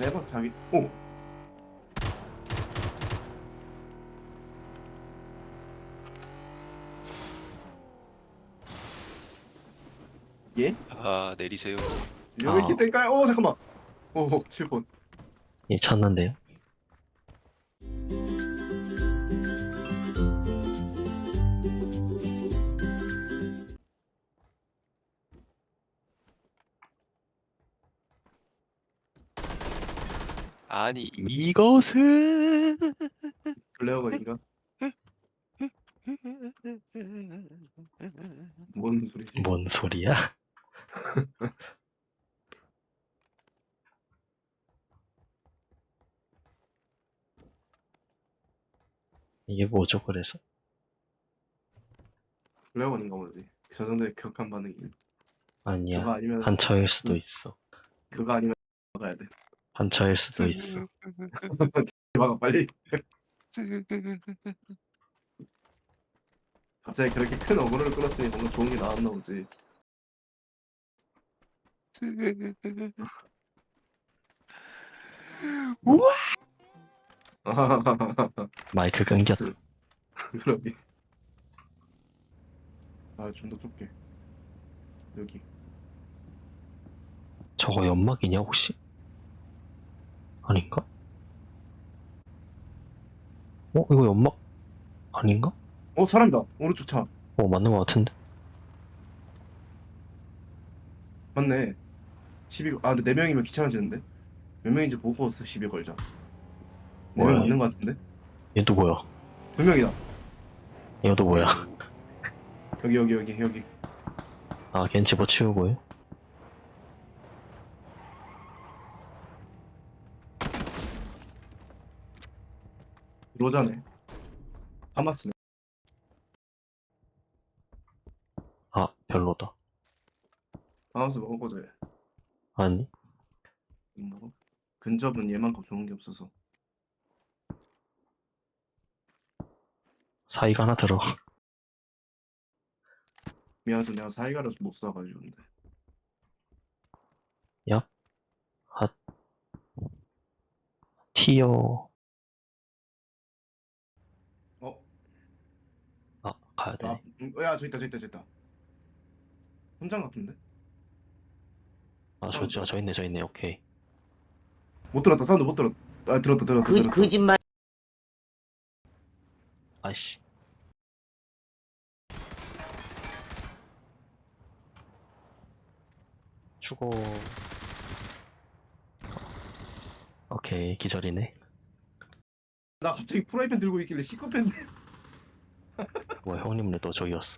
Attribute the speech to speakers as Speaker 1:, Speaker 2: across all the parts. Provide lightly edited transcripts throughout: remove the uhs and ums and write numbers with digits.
Speaker 1: 해봐 자기. 오. 예?
Speaker 2: 아, 내리세요.
Speaker 1: 여기 기텐가요? 오 잠깐만. 오 7번.
Speaker 3: 예, 찾는데요.
Speaker 2: 아니, 이것은
Speaker 1: 블레어건인가? 뭔 소리지?
Speaker 3: 뭔 소리야? 이게 뭐죠, 그래서?
Speaker 1: 블레어건인가 보지. 저 정도의 격한 반응이. 그거
Speaker 3: 아니야.
Speaker 1: 아니면
Speaker 3: 한처일 수도 있어.
Speaker 1: 그거 아니면 막아야 돼.
Speaker 3: 한처일 수도 있어.
Speaker 1: 막아 빨리. 갑자기 그렇게 큰 어그로를 끌었으니 뭔가 좋은 게 나왔나 보지.
Speaker 2: 우와!
Speaker 3: 마이크 끊겼다.
Speaker 1: 그러게. 아 좀 더 좁게. 여기.
Speaker 3: 저거 연막이냐, 혹시? 아닌가? 이거 연막 아닌가?
Speaker 1: 사람이다. 오른쪽 차.
Speaker 3: 맞는 것 같은데?
Speaker 1: 맞네. 시비. 아 근데 4명이면 귀찮아지는데. 몇 명인지 보고 시비 걸자. 4명
Speaker 3: 뭐야,
Speaker 1: 맞는 거 같은데?
Speaker 3: 얘 또 뭐야?
Speaker 1: 2명이다.
Speaker 3: 얘도 뭐야?
Speaker 1: 여기.
Speaker 3: 아, 걘 집어치우고요?
Speaker 1: 로자네. 하마스네.
Speaker 3: 아, 별로다.
Speaker 1: 하마스 먹을 거죠. 얘.
Speaker 3: 아니,
Speaker 1: 못 먹어? 근접은 얘만큼 좋은 게 없어서.
Speaker 3: 사이가 하나 들어.
Speaker 1: 미안해서 내가 사이가를 못 쏴가지고 근데.
Speaker 3: 얍, 핫, 티어.
Speaker 1: 어?
Speaker 3: 아, 가야 되네.
Speaker 1: 야 저 있다. 혼장 같은데?
Speaker 3: 아,
Speaker 1: 사운드
Speaker 3: 저 있네, 오케이.
Speaker 1: 못 들었다. 사운드 못 들었. 아 들었다.
Speaker 4: 거짓말.
Speaker 3: 아이씨. 죽어. 오케이, 기절이네.
Speaker 1: 나 갑자기 프라이팬 들고 있길래 시커팬.
Speaker 3: 뭐야, 형님네 또 저기 왔어.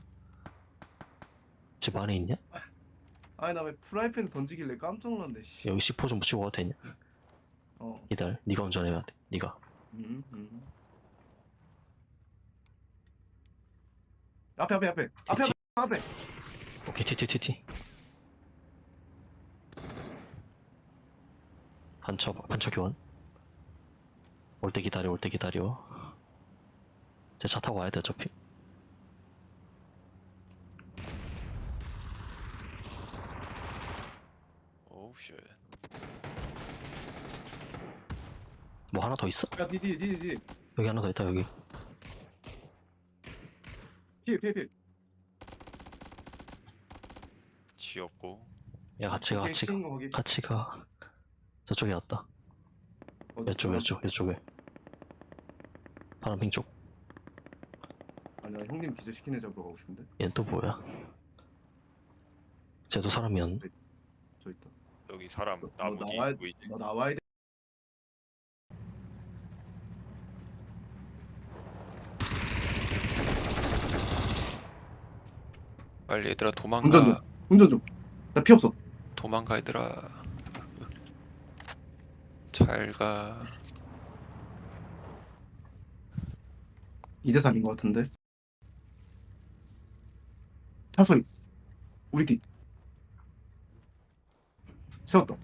Speaker 3: 집 안에 있냐?
Speaker 1: 아니 나 왜 프라이팬 던지길래 깜짝 놀랐네. 씨.
Speaker 3: 여기 C4 좀 붙이고 가도 되냐?
Speaker 1: 어.
Speaker 3: 기다려, 네가 운전해야 돼. 네가.
Speaker 1: 음. 앞에.
Speaker 3: 오케이, TTTT. 반처 교환. 올 때 기다려. 제 차 타고 와야 돼, 어차피.
Speaker 2: 오우, 쉣.
Speaker 3: 뭐 하나 더 있어?
Speaker 1: 야 뒤.
Speaker 3: 여기 하나 더 있다, 여기.
Speaker 1: 필.
Speaker 2: 지었고.
Speaker 3: 야, 같이 가.
Speaker 1: 치는 거 거기.
Speaker 3: 같이 가. 저쪽에 왔다. 이쪽에. 파란핑 쪽.
Speaker 1: 아니 나 형님 기절시킨 애 잡으러 가고 싶은데.
Speaker 3: 얘는 또 뭐야? 쟤도 사람이었네.
Speaker 1: 저 있다.
Speaker 2: 여기 사람
Speaker 1: 너
Speaker 2: 나무 뒤
Speaker 1: 나와야
Speaker 2: 보이지?
Speaker 1: 너 나와야 돼.
Speaker 2: 빨리 얘들아
Speaker 1: 운전 좀. 나 피 없어.
Speaker 2: 도망가 얘들아. 잘 가.
Speaker 1: 2대 3인 것 같은데. 차 소리. 우리 뒤. 세웠다.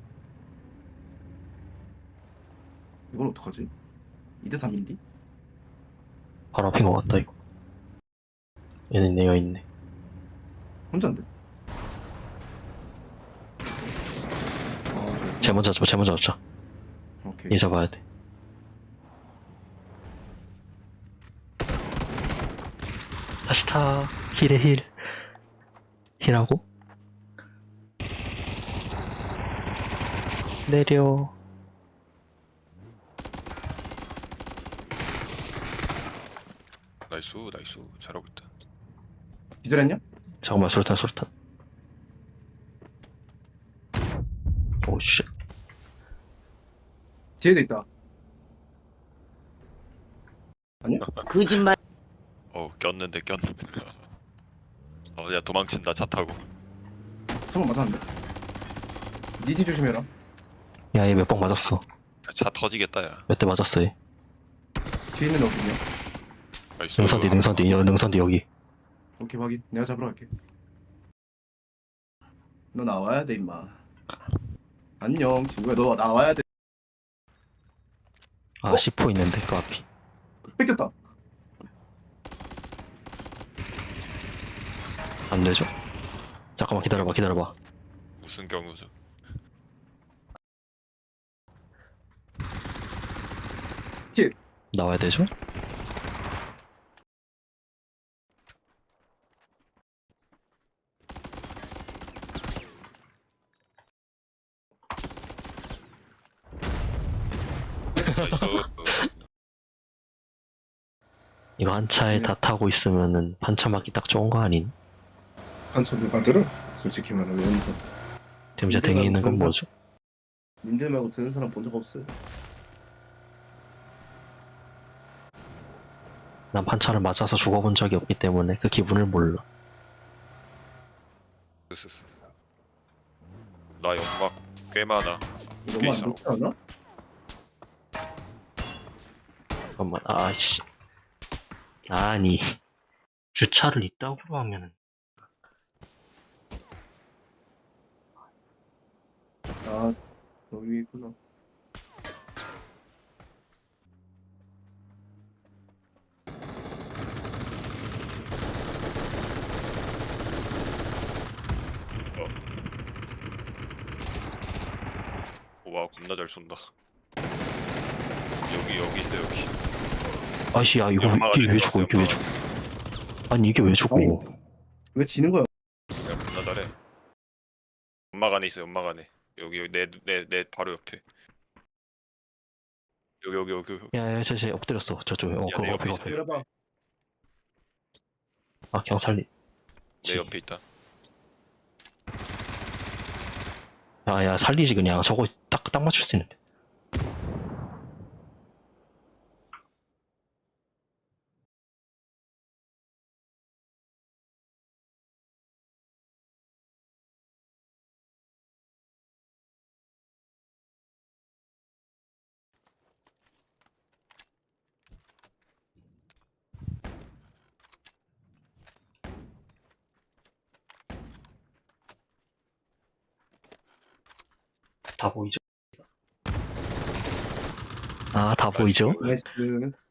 Speaker 1: 이걸 어떡하지? 2대 3인디?
Speaker 3: 바로 앞인 것 같다, 이거. 얘는 내가 있네.
Speaker 1: 혼자인데.
Speaker 3: 쟤 먼저 잡자.
Speaker 1: 오케이.
Speaker 3: 얘 잡아야 돼. 다시 타. 힐에 힐. 힐하고. 내려.
Speaker 2: 나이스 나이스 잘하고 있다.
Speaker 1: 기절했냐?
Speaker 3: 잠깐만, 수류탄. 오, 씨.
Speaker 1: 뒤에도 있다.
Speaker 4: 거짓말.
Speaker 2: 꼈는데. 야 도망친다 차 타고.
Speaker 1: 한번 맞았는데. 니디 조심해라.
Speaker 3: 야, 얘 몇 방 맞았어.
Speaker 2: 차 터지겠다 야.
Speaker 3: 몇 대 맞았어, 얘.
Speaker 1: 뒤에 있는 애 어디냐?
Speaker 2: 나이스.
Speaker 3: 능선 뒤, 여기.
Speaker 1: 오케이 확인. 내가 잡으러 갈게. 너 나와야 돼 임마. 안녕 친구야. 너 나와야 돼.
Speaker 3: 아, C4 있는데, 그 앞이.
Speaker 1: 뺏겼다.
Speaker 3: 안 되죠? 잠깐만, 기다려봐.
Speaker 2: 무슨 경우죠?
Speaker 3: 나와야 되죠?
Speaker 2: 나이스.
Speaker 3: 이거 한 차에 다 타고 있으면은 반차 맞기 딱 좋은 거 아닌?
Speaker 1: 한참 누가 들어? 솔직히 말하면 여기서
Speaker 3: 지금 제 등에 있는 건 뭐죠?
Speaker 1: 님들 말고 드는 사람 본 적 없어요.
Speaker 3: 난 반차를 맞아서 죽어본 적이 없기 때문에 그 기분을 몰라.
Speaker 2: 나 연막 꽤 많아.
Speaker 1: 너무 안 좋지 않아?
Speaker 3: 잠깐만, 아씨. 아니, 주차를 이따구로 하면은.
Speaker 1: 아 여기 있구나.
Speaker 2: 와 겁나 잘 쏜다. 여기 있어 여기.
Speaker 3: 아씨, 야, 이게 왜 죽어, 이게 왜 죽어. 아니, 이게 왜 죽어.
Speaker 1: 아니. 왜 지는 거야?
Speaker 2: 야 겁나 잘해. 연막 안에 있어 연막 안에. 여기 내 바로 옆에. 여기.
Speaker 3: 야, 쟤 엎드렸어. 저쪽에.
Speaker 2: 야,
Speaker 3: 그거
Speaker 2: 내 옆에
Speaker 3: 앞에,
Speaker 2: 있어.
Speaker 3: 앞에.
Speaker 1: 때려봐.
Speaker 3: 아, 그냥 살리.
Speaker 2: 내 옆에 있다.
Speaker 3: 야, 살리지, 그냥. 저거 딱 맞출 수 있는데. 다 보이죠? 아, 다 보이죠?
Speaker 1: 나이스.